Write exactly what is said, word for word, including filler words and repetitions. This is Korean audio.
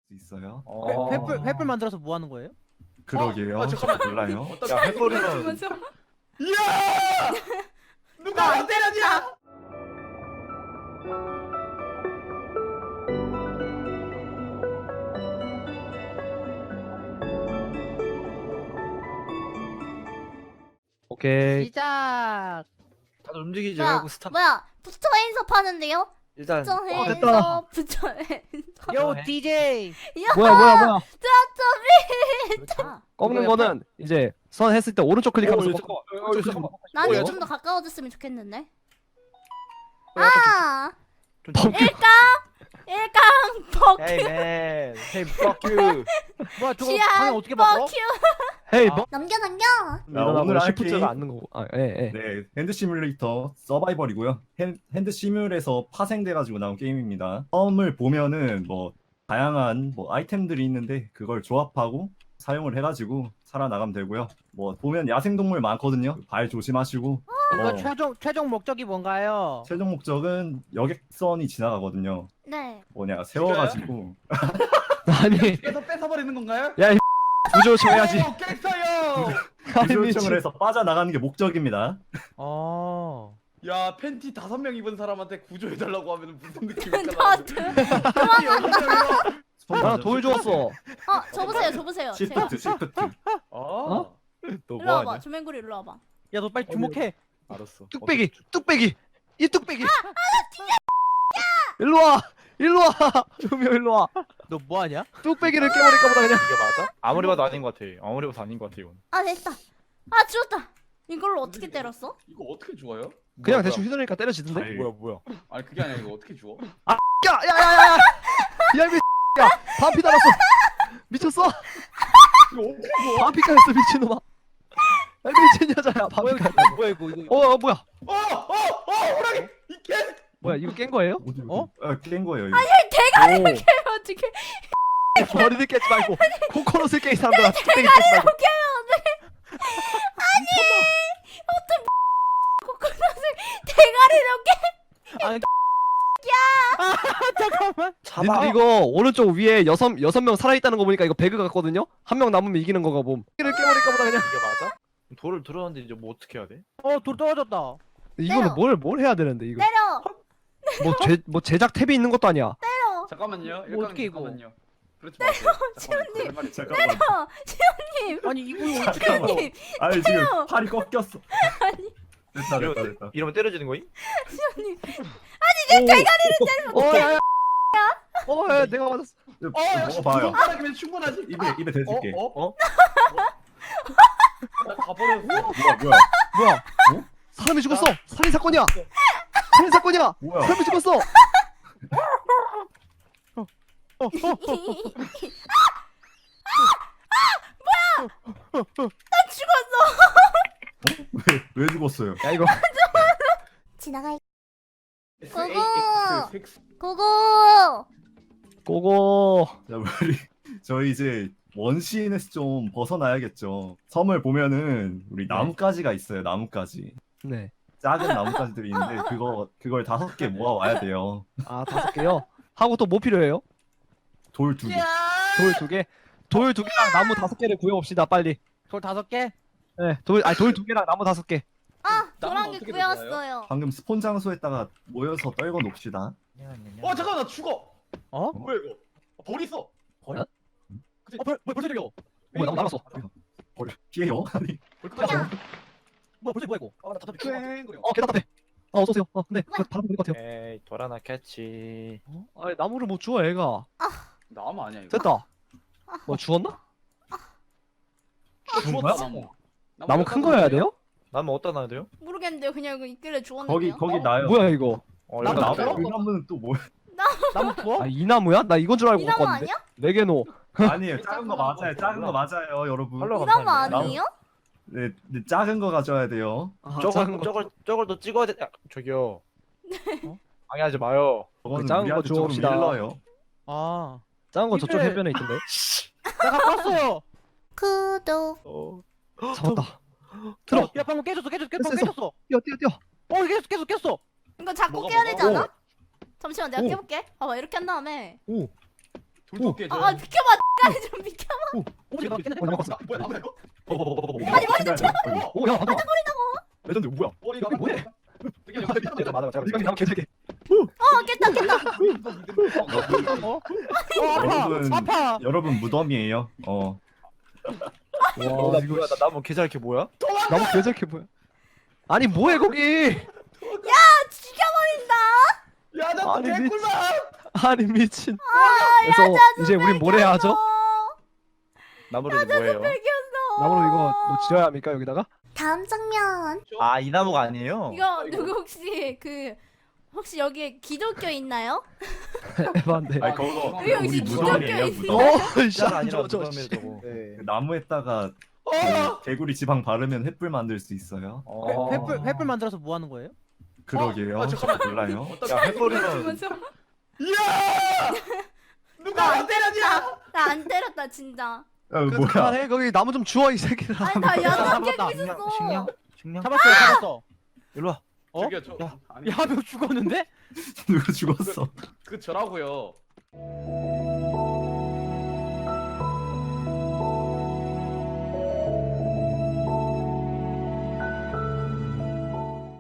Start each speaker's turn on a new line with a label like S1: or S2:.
S1: 있어요.
S2: 어.
S3: 회, 횃불 횃불 만들어서 뭐 하는 거예요?
S1: 그러게요.
S2: 어, 아, 잠깐만.
S1: 몰라요.
S2: 야, 해버리면
S4: 이야! 누가 안 때렸냐?
S5: 오케이.
S3: 시작.
S2: 다들 움직이지
S6: 뭐야,
S2: 말고 스탑.
S6: 뭐야, 부처 핸섭 하는데요?
S2: 일단
S6: 부처
S5: 됐다.
S6: 핸섭, 부처 핸섭.
S3: 요
S2: 해.
S3: 디제이.
S6: 야,
S5: 뭐야 뭐야 뭐야.
S6: 아,
S5: 꺾는 거는 이제 선 했을 때 오른쪽 클릭하면서
S2: 어,
S5: 꺾어.
S2: 잠깐만. 어, 어, 잠깐만.
S6: 나는
S2: 뭐야,
S6: 좀 더 가까워졌으면 좋겠는데.
S2: 어, 약간
S6: 아,
S2: 좀-
S5: 펑.
S6: 일강, 일강, 벅,
S2: Hey man, hey fuck you.
S3: 뭐야 저거
S6: 치안,
S3: 방향 어떻게 바꿔?
S6: 벅, 큐.
S5: 헤이
S3: 아.
S5: 뭐?
S6: 넘겨, 넘겨.
S5: 일어나고
S1: 오늘 할
S5: 시프트가
S1: 게임-
S5: 앉는 거고. 아, 예, 예.
S1: 네, 핸드 시뮬레이터 서바이벌이고요. 핸, 핸드 시뮬에서 파생돼가지고 나온 게임입니다. 처음을 보면은 뭐 다양한 뭐 아이템들이 있는데 그걸 조합하고 사용을 해가지고 살아나가면 되고요. 뭐 보면 야생동물 많거든요. 발 조심하시고.
S3: 이거
S1: 어,
S3: 최종 최종 목적이 뭔가요?
S1: 최종 목적은 여객선이 지나가거든요.
S6: 네.
S1: 뭐냐 세워가지고
S5: 아니,
S4: 그래서 뺏어버리는 건가요?
S5: 구조 정해야지.
S4: 오, 깼어요!
S5: 아니,
S1: 구조
S5: 미친.
S1: 요청을 해서 빠져나가는 게 목적입니다.
S3: 어.
S4: 야, 팬티 다섯 명 입은 사람한테 구조해달라고 하면 무슨 느낌일까?
S6: 나도.
S5: 나 돌 줬어.
S6: 어, 줘보세요, 줘보세요. 제가.
S1: 시프트 시프트.
S4: 어?
S2: 너
S6: 일로 와봐,
S2: 뭐하냐?
S6: 조맹구리 일로 와봐.
S3: 야 너 빨리 주목해.
S2: 알았어.
S5: 뚝배기, 뚝배기, 이 뚝배기. 일로 와, 일로 와. 조명 일로 와.
S3: 너 뭐 하냐?
S5: 뚝배기를 깨버릴까 보다 그냥.
S2: 이게 맞아? 아무리 봐도 아닌 것 같아. 아무리 봐도 아닌 것 같아 이건.
S6: 아, 됐다. 아, 죽었다. 이걸로 어떻게 때렸어?
S4: 이거 어떻게 주워요?
S5: 그냥
S2: 뭐야,
S5: 대충 휘두르니까 때려지던데.
S1: 잘-
S2: 뭐야 뭐야.
S4: 아니 그게 아니라 이거 어떻게 주워?
S5: 야, 야, 야, 야, 야. 야, 이 야, 반피 달았어. 미쳤어?
S4: 이거 어떻게 주워?
S5: 반피 깔았어, 미친놈아. 야, 미친 여자야, 반피 깔았어.
S3: 뭐야 이거 이거.
S5: 어, 어, 뭐야?
S4: 어! 어! 어! 호랑이! 이 개!
S5: 뭐야, 이거 깬 거예요?
S1: 어디,
S3: 어?
S1: 어디? 아, 깬 거예요. 이거.
S5: 오,
S6: 어떻게?
S5: 머리를 깨지 말고 코코넛을 깨, 이 사람들아. 뚝배기 깨지 말고.
S6: 코코넛을 대가리 넣게?
S3: 아니. 아 잠깐만.
S5: 니들 이거 오른쪽 위에 여섯 여섯 명 살아 있다는 거 보니까 이거 배그 같거든요. 한 명 남으면 이기는 거가 봄. 이를 깨버릴까 보다 그냥.
S2: 이게 맞아? 돌을 들었는데 이제 뭐 어떻게 해야 돼?
S3: 어돌 떨어졌다.
S5: 이거는
S6: 때려.
S5: 뭘 뭘 해야 되는데 이거.
S6: 때려,
S5: 뭐제 뭐 제작 탭이 있는 것도 아니야.
S6: 때려.
S4: 잠깐만요.
S3: 뭐 어떻게 이거?
S4: 잠깐만요. 그렇지 마세요.
S6: 시온님.
S1: 잠깐만.
S6: 때려, 시온님.
S3: 아니 이거
S1: 잠깐만.
S6: 시온님.
S1: 아니 지금 팔이 꺾였어.
S6: 아니,
S1: 됐다 됐다 됐다.
S2: 이러면 때려지는 거임?
S6: 시온님.
S5: 어, 야, 야. 어, 야, 내가 맞았어.
S4: 어, 역시 두
S1: 먹어봐요.
S4: 손가락이면 충분하지.
S1: 입에 입에 대줄게.
S4: 어? 어?
S2: 어?
S4: 나 가버렸어.
S1: 뭐야 뭐야
S5: 뭐야? 어? 사람이 죽었어. 살인 사건이야. 살인 사건이야.
S1: 뭐야?
S5: 사람이 죽었어.
S1: 왜, 왜 죽었어요?
S5: 야 이거.
S6: 지나갈.
S4: X,
S6: 고고!
S4: A, X, X.
S6: 고고.
S5: 고고.
S1: 자 우리 저희 이제 원시인에서 좀 벗어나야겠죠. 섬을 보면은 우리 나뭇가지가 있어요. 나뭇가지.
S5: 네.
S1: 작은 나뭇가지들이 있는데 그거 그걸 다섯 개 모아 와야 돼요.
S5: 아 다섯 개요. 하고 또 뭐 필요해요?
S1: 돌 두 개.
S5: 돌 두 개. 돌 두 개랑 나무 다섯 개를 구해봅시다 빨리.
S3: 돌 다섯 개.
S5: 네. 돌 아니 돌 두 개랑 나무 다섯 개.
S6: 아,
S4: 나무
S6: 도랑이
S4: 어떻게
S6: 구였어요.
S1: 방금 스폰 장소에다가 모여서 떨궈 놓읍시다.
S4: 어, 잠깐만 나 죽어.
S3: 어?
S4: 뭐야 이거? 어, 벌 있어.
S5: 벌?
S4: 그치?
S3: 어 벌, 벌 벌써 들려.
S5: 어, 나 나갔어.
S1: 버려. 피해요? 아니.
S4: 벌 끝났어.
S3: 뭐야 벌써 뭐야 이거?
S4: 아, 나 답답해. 촤잉거려.
S5: 어, 개 답답해. 아, 어서 오세요. 어, 근데 그 바람 불릴 것 같아요.
S2: 에이 돌아나 캐치.
S5: 어? 아니, 나무를 못 주워, 애가.
S4: 나무 아니야 이거.
S5: 됐다. 뭐 죽었나? 죽은 거야?
S4: 나무.
S5: 나무 큰 거 해야 돼요?
S2: 나면 어디다 놔야 돼요?
S6: 모르겠는데요. 그냥 이거 있길래
S1: 거기
S6: 주웠는데요.
S1: 거기 나요.
S5: 뭐야 이거?
S2: 어,
S3: 나무
S2: 일단
S3: 나무?
S1: 그 나무는 또 뭐야?
S3: 나무 부어?
S5: 아, 이 나무야? 나 이건 줄 알고
S6: 이 나무
S5: 바꿨는데.
S6: 아니야?
S5: 네 개 놓.
S1: 아니에요. 작은 거 맞아요. 작은 거 맞아요, 여러분.
S2: 팔로우
S6: 이 나무
S2: 감사합니다.
S6: 아니에요?
S1: 네, 네, 작은 거 가져야 돼요.
S5: 아,
S2: 저걸
S5: 작은 거.
S2: 저걸 저걸 더 찍어야 돼. 야, 저기요. 어? 방해하지 마요.
S1: 저거는
S5: 그 작은 거
S1: 우리한테 조금
S5: 주웁시다.
S1: 일러요.
S3: 아.
S5: 작은 거 저쪽
S3: 이게-
S5: 해변에 있던데.
S3: 나 갖고 왔어요.
S6: 구독.
S2: 어.
S5: 잡았다. 들어.
S3: 야 방금 깨졌어 깨졌어
S5: 됐어,
S3: 깨졌어
S5: 됐어.
S3: 깨졌어.
S5: 뛰어, 뛰어, 뛰어.
S3: 어 깨졌어 깨졌어 깨졌어.
S6: 이거 자꾸
S4: 뭐가,
S6: 깨야
S4: 뭐가?
S6: 되지 않아?
S5: 오.
S6: 잠시만 내가
S5: 오.
S6: 깨볼게. 봐봐 이렇게 한 다음에
S5: 오.
S4: 돌도깨 저.
S6: 아 비켜봐. X가 좀 비켜봐.
S3: 오 지금 깼네.
S5: 어, 나갔어.
S4: 뭐야 나야 이거?
S1: 아니 머리 좀 쳐.
S5: 오, 야, 맞아. 레전드 뭐야?
S4: 머리가
S5: 뭐해?
S4: 되게
S5: 맞아, 맞아. 이거 나무 개새끼.
S6: 어 깼다 깼다.
S3: 어? 어
S1: 여러분.
S3: 아파. 아파.
S1: 여러분 무덤이에요. 어.
S2: 어, 나 뭐야? 나 나무 계좌 이렇게 뭐야?
S5: 나무 개새끼 뭐야? 아니 뭐해 거기?
S6: 죽여버린다.
S4: 야나
S5: 아니,
S4: 개꿀맛.
S5: 아니 미친.
S6: 아
S5: 그래서
S6: 야자
S5: 이제 우린 뭘 해야 하죠?
S2: 나무를 뭐예요?
S6: 뺏겼어.
S5: 나무로 이거 뭐 지어야 합니까 여기다가?
S6: 다음 장면.
S2: 아, 이 나무가 아니에요?
S6: 이거 누구 혹시 그 혹시 여기에 기독교 있나요?
S5: 에반데.
S1: 아니 그거
S6: 여기 혹시
S1: 우리
S6: 기독교
S1: 무덤이에요
S6: 있어요?
S1: 무덤.
S5: 어,
S2: 진짜 아니라
S5: 저, 저,
S2: 무덤에
S5: 씨.
S2: 저거. 네.
S1: 그 나무에다가 그 개구리 지방 바르면 횃불 만들 수 있어요.
S2: 어.
S3: 횃불 횃불 만들어서 뭐 하는 거예요?
S1: 그러게요.
S4: 아, 잠깐만.
S1: 몰라요.
S2: 야, 횃불이면
S6: 죽었어.
S4: 야! 누가 안 때렸냐?
S6: 나 안 때렸다 진짜.
S1: 어,
S5: 그
S1: 뭐야?
S5: 그만해 거기 나무 좀 주워 이 새끼들아.
S6: 아니 나 야자 깨고
S3: 잡았다.
S6: 있었어.
S2: 식량? 식량?
S3: 잡았어요. 잡았어.
S2: 일로 와.
S3: 어?
S4: 저기요 저.
S2: 야.
S4: 아니
S3: 야, 한 명 죽었는데?
S1: 누가 죽었어?
S4: 그 저라고요.